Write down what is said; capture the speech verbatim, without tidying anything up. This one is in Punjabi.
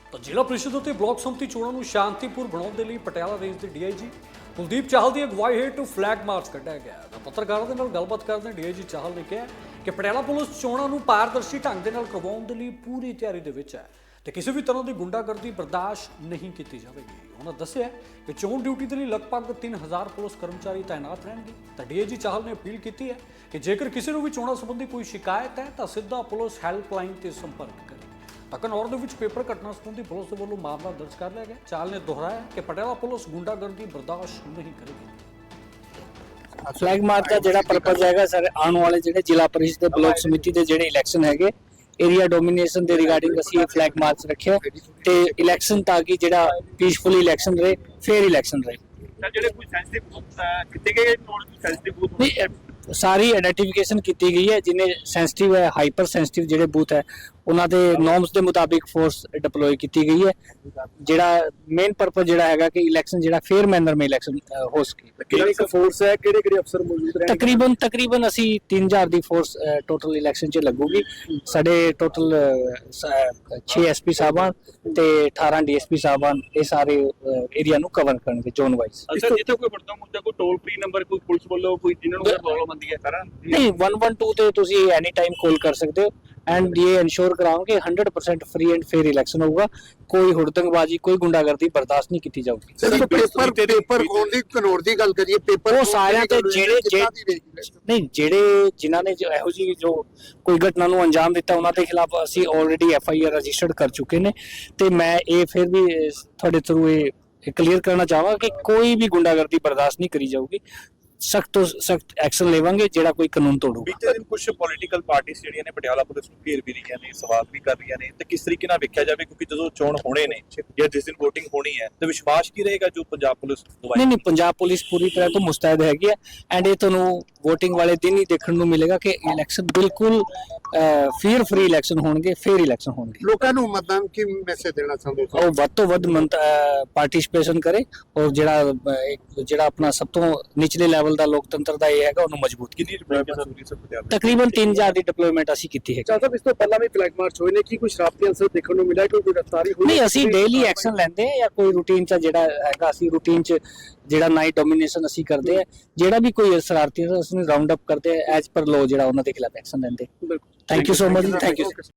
ਤਾਂ ਜ਼ਿਲ੍ਹਾ ਪ੍ਰੀਸ਼ਦ ਅਤੇ ਬਲਾਕ ਸੰਮਤੀ ਚੋਣਾਂ ਨੂੰ ਸ਼ਾਂਤੀਪੂਰ ਬਣਾਉਣ ਦੇ ਲਈ ਪਟਿਆਲਾ ਰੇਂਜ ਦੇ ਡੀਆਈਜੀ ਕੁਲਦੀਪ ਚਾਹਲ ਦੀ ਅਗਵਾਈ ਹੇਠ ਫਲੈਗ ਮਾਰਚ ਕੱਢਿਆ ਗਿਆ। ਤਾਂ ਪੱਤਰਕਾਰਾਂ ਦੇ ਨਾਲ ਗੱਲਬਾਤ ਕਰਦੇ ਡੀਆਈਜੀ ਚਾਹਲ ਨੇ ਕਿਹਾ ਕਿ ਪਟਿਆਲਾ ਪੁਲਿਸ ਚੋਣਾਂ ਨੂੰ ਪਾਰਦਰਸ਼ੀ ਢੰਗ ਦੇ ਨਾਲ ਕਰਵਾਉਣ ਦੇ ਲਈ ਪੂਰੀ ਤਿਆਰੀ ਦੇ ਵਿੱਚ ਹੈ ਤੇ ਕਿਸੇ ਵੀ ਤਰ੍ਹਾਂ ਦੀ ਗੁੰਡਾਗਰਦੀ ਬਰਦਾਸ਼ਤ ਨਹੀਂ ਕੀਤੀ ਜਾਵੇਗੀ। ਉਹਨਾਂ ਦੱਸਿਆ ਕਿ ਚੋਣ ਡਿਊਟੀ ਦੇ ਲਈ ਲਗਭਗ ਤਿੰਨ ਹਜ਼ਾਰ ਪੁਲਿਸ ਕਰਮਚਾਰੀ ਤਾਇਨਾਤ ਰਹਿਣਗੇ। ਤਾਂ ਡੀਆਈਜੀ ਚਾਹਲ ਨੇ ਅਪੀਲ ਕੀਤੀ ਹੈ ਕਿ ਜੇਕਰ ਕਿਸੇ ਨੂੰ ਵੀ ਚੋਣਾਂ ਸੰਬੰਧੀ ਕੋਈ ਸ਼ਿਕਾਇਤ ਹੈ ਤਾਂ ਸਿੱਧਾ ਪੁਲਿਸ ਹੈਲਪਲਾਈਨ ਤੇ ਸੰਪਰਕ ਕਰੇ। ਤਾਂ ਘਨੌਰ ਦੇ ਵਿੱਚ ਪੇਪਰ ਘਟਨਾ ਸੰਬੰਧੀ ਪੁਲਿਸ ਦੇ ਵੱਲੋਂ ਮਾਮਲਾ ਦਰਜ ਕਰ ਲਿਆ ਗਿਆ। ਚਾਹਲ ਨੇ ਦੁਹਰਾਇਆ ਕਿ ਪਟਿਆਲਾ ਪੁਲਿਸ ਗੁੰਡਾਗਰਦੀ ਬਰਦਾਸ਼ਤ ਨਹੀਂ ਕਰੇਗੀ। ਫਲੈਗ ਮਾਰਚ ਦਾ ਜਿਹੜਾ ਪਰਪਸ ਹੈਗਾ ਸਰ, ਆਉਣ ਵਾਲੇ ਜਿਹੜੇ ਜ਼ਿਲ੍ਹਾ ਪਰਿਸ਼ਦ ਦੇ ਬਲਾਕ ਸਮਿਤੀ ਦੇ ਜਿਹੜੇ ਇਲੈਕਸ਼ਨ ਹੈਗੇ ਏਰੀਆ ਡੋਮੀਨੇਸ਼ਨ ਦੇ ਰਿਗਾਰਡਿੰਗ ਅਸੀਂ ਇਹ ਫਲੈਗ ਮਾਰਚ ਰੱਖਿਆ ਤੇ ਇਲੈਕਸ਼ਨ ਤਾਂ ਕਿ ਜਿਹੜਾ ਪੀਸਫੁਲੀ ਇਲੈਕਸ਼ਨ ਰਹੇ, ਫੇਅਰ ਇਲੈਕਸ਼ਨ ਰਹੇ। ਸਰ ਜਿਹੜੇ ਕੋਈ ਸੈਂਸਿਟਿਵ ਬੂਥ ਕਿਤੇ ਗਏ ਚੋਣ ਸੈਂਸਿਟਿਵ ਬੂਥ ਨਹੀਂ, ਸਾਰੀ ਆਈਡੈਂਟੀਫਿਕੇਸ਼ਨ ਕੀਤੀ ਗਈ ਹੈ। ਜਿਨੇ ਸੈਂਸਿਟਿਵ ਹੈ, ਹਾਈਪਰ ਸੈਂਸਿਟਿਵ ਜਿਹੜੇ ਬੂਥ ਹੈ ਉਹਨਾਂ ਦੇ ਨੋਰਮਸ ਦੇ ਮੁਤਾਬਿਕ ਫੋਰਸ ਡਿਪਲੋਏ ਕੀਤੀ ਗਈ ਹੈ। ਜਿਹੜਾ ਮੇਨ ਪਰਪਸ ਜਿਹੜਾ ਹੈਗਾ ਕਿ ਇਲੈਕਸ਼ਨ ਜਿਹੜਾ ਫੇਅਰ ਮੈਨਰ में ਇਲੈਕਸ਼ਨ ਹੋ ਸਕੇ। ਕਿਹੜੀ ਫੋਰਸ ਹੈ, ਕਿਹੜੇ ਕਿਹੜੇ ਅਫਸਰ ਮੌਜੂਦ ਰਹਿਣਗੇ? ਤਕਰੀਬਨ ਤਕਰੀਬਨ ਅਸੀਂ ਤਿੰਨ ਹਜ਼ਾਰ ਦੀ ਫੋਰਸ ਟੋਟਲ ਇਲੈਕਸ਼ਨ 'ਚ ਲੱਗੂਗੀ। ਸਾਡੇ ਟੋਟਲ ਛੇ ਐਸਪੀ ਸਾਹਿਬਾਨ ਤੇ ਅਠਾਰਾਂ ਡੀਐਸਪੀ ਸਾਹਿਬਾਨ ਇਹ ਸਾਰੇ ਏਰੀਆ ਨੂੰ ਕਵਰ ਕਰਨਗੇ ਜ਼ੋਨ ਵਾਈਜ਼। ਅੱਛਾ, ਜਿੱਥੇ ਕੋਈ ਵੱਡਾ ਮੁੱਦਾ ਕੋਈ ਟੋਲ ਫ੍ਰੀ ਨੰਬਰ ਕੋਈ ਪੁਲਿਸ ਵੱਲੋਂ ਕੋਈ ਜਿਨ੍ਹਾਂ ਨੂੰ ਪ੍ਰੋਬਲਮ ਆਉਂਦੀ ਹੈ ਸਾਰਾ ਨਹੀਂ, ਇੱਕ ਇੱਕ ਦੋ ਤੇ ਤੁਸੀਂ ਐਨੀ ਟਾਈਮ ਕਾਲ ਕਰ ਸਕਦੇ ਹੋ ਐਂਡ ਇਹ ਇਨਸ਼ੋਰ ਕਰਾਉਂਗੇ hundred percent free and fair election होगा। कोई हुड़दंगबाजी कोई गुंडागर्दी बर्दाश्त नहीं की जाऊगी। ਸਿਰਫ ਪੇਪਰ ਪੇਪਰ ਖੋਣ ਦੀ ਕਨੌਰ ਦੀ ਗੱਲ ਕਰੀਏ, ਪੇਪਰ ਉਹ ਸਾਰਿਆਂ ਤੇ ਜਿਹੜੇ ਨਹੀਂ ਜਿਹੜੇ ਜਿਨ੍ਹਾਂ ਨੇ ਜੋ ਇਹੋ ਜਿਹੀ ਜੋ ਕੋਈ ਘਟਨਾ ਨੂੰ ਅੰਜਾਮ ਦਿੱਤਾ ਉਹਨਾਂ ਦੇ ਖਿਲਾਫ ਅਸੀਂ already F I R registered ਕਰ ਚੁੱਕੇ ਨੇ ਤੇ ਮੈਂ ਇਹ ਫਿਰ ਵੀ ਤੁਹਾਡੇ ਥਰੂ ਇਹ ਕਲੀਅਰ ਕਰਨਾ ਚਾਹਾਂਗਾ ਕਿ ਕੋਈ ਵੀ ਗੁੰਡਾਗਰਦੀ ਬਰਦਾਸ਼ਤ ਨਹੀਂ ਕਰੀ ਜਾਊਗੀ। ਸਖਤ ਤੋਂ ਸਖਤ ਐਕਸ਼ਨ ਲਵਾਂਗੇ ਜਿਹੜਾ ਕੋਈ ਕਾਨੂੰਨ ਤੋੜੂਗਾ। ਬੀਤੇ ਦਿਨ ਕੁਝ ਪੋਲੀਟੀਕਲ ਪਾਰਟੀਆਂ ਜਿਹੜੀਆਂ ਨੇ ਪਟਿਆਲਾ ਪੁਲਿਸ ਨੂੰ ਘੇਰ ਵੀ ਰਹੀਆਂ ਨੇ, ਸਵਾਲ ਵੀ ਕਰ ਰਹੀਆਂ ਨੇ ਤੇ ਕਿਸ ਤਰੀਕੇ ਨਾਲ ਵੇਖਿਆ ਜਾਵੇ ਕਿਉਂਕਿ ਜਦੋਂ ਚੋਣ ਹੋਣੇ ਨੇ ਜਾਂ ਜਿਸ ਦਿਨ VOTING ਹੋਣੀ ਹੈ ਤੇ ਵਿਸ਼ਵਾਸ ਕੀ ਰਹੇਗਾ ਜੋ ਪੰਜਾਬ ਪੁਲਿਸ ਦਵਾਈ? ਨਹੀਂ ਨਹੀਂ, ਪੰਜਾਬ ਪੁਲਿਸ ਪੂਰੀ ਤਰ੍ਹਾਂ ਤੋਂ ਮੁਸਤੈਦ ਹੈਗੀ ਹੈ ਐਂਡ ਇਹ ਤੁਹਾਨੂੰ VOTING ਵਾਲੇ ਦਿਨ ਹੀ ਦੇਖਣ ਨੂੰ ਮਿਲੇਗਾ ਕਿ ਇਲੈਕਸ਼ਨ ਬਿਲਕੁਲ ਫੇਅਰ ਫ੍ਰੀ ਇਲੈਕਸ਼ਨ ਹੋਣਗੇ, ਫੇਅਰ ਇਲੈਕਸ਼ਨ ਹੋਣਗੇ। ਲੋਕਾਂ ਨੂੰ ਮਤਦਾਨ ਕੀ ਮੈਸੇਜ ਦੇਣਾ ਚਾਹੁੰਦੇ ਹੋ? ਉਹ ਵੱਧ ਤੋਂ ਵੱਧ ਪਾਰਟਿਸਿਪੇਸ਼ਨ ਕਰੇ ਔਰ ਜਿਹੜਾ ਅਹ, ਜਿਹੜਾ ਆਪਣਾ ਸਭ ਤੋਂ ਨਿਚਲੇ ਲੈਵਲ ਦਾ ਲੋਕਤੰਤਰ ਦਾ ਇਹ ਹੈਗਾ ਉਹਨੂੰ ਮਜ਼ਬੂਤ ਕੀਤੀ। ਕਿੰਨੀ ਡਿਪਲੋਮੈਸੀ ਜ਼ਰੂਰੀ ਸਰ ਪਟਿਆਲਾ? ਤਕਰੀਬਨ ਤਿੰਨ ਹਜ਼ਾਰ ਦੀ ਡਿਪਲੋਇਮੈਂਟ ਅਸੀਂ ਕੀਤੀ ਹੈ। ਚਾਹਤਾ ਇਸ ਤੋਂ ਪਹਿਲਾਂ ਵੀ ਫਲੈਗ ਮਾਰਚ ਹੋਏ ਨੇ, ਕੀ ਕੋਈ ਸ਼ਰਾਰਤੀ ਅੰਸਰ ਦੇਖਣ ਨੂੰ ਮਿਲਿਆ, ਕੋਈ ਗ੍ਰਿਫਤਾਰੀ ਹੋਈ? ਨਹੀਂ, ਅਸੀਂ ਡੇਲੀ ਐਕਸ਼ਨ ਲੈਂਦੇ ਹਾਂ ਜਾਂ ਕੋਈ ਰੂਟੀਨ ਚ ਜਿਹੜਾ ਹੈਗਾ ਅਸੀਂ ਰੂਟੀਨ ਚ ਜਿਹੜਾ ਨਾਈਟ ਡੋਮੀਨੇਸ਼ਨ ਅਸੀਂ ਕਰਦੇ ਆ, ਜਿਹੜਾ ਵੀ ਕੋਈ ਸ਼ਰਾਰਤੀ ਅਸੀਂ ਰਾਉਂਡ ਅਪ ਕਰਦੇ ਆ ਐਜ਼ ਪਰ ਲੋ ਜਿਹੜਾ ਉਹਨਾਂ ਦੇ ਖਿਲਾਫ ਐਕਸ਼ਨ ਲੈਂਦੇ। Thank you so much, thank you.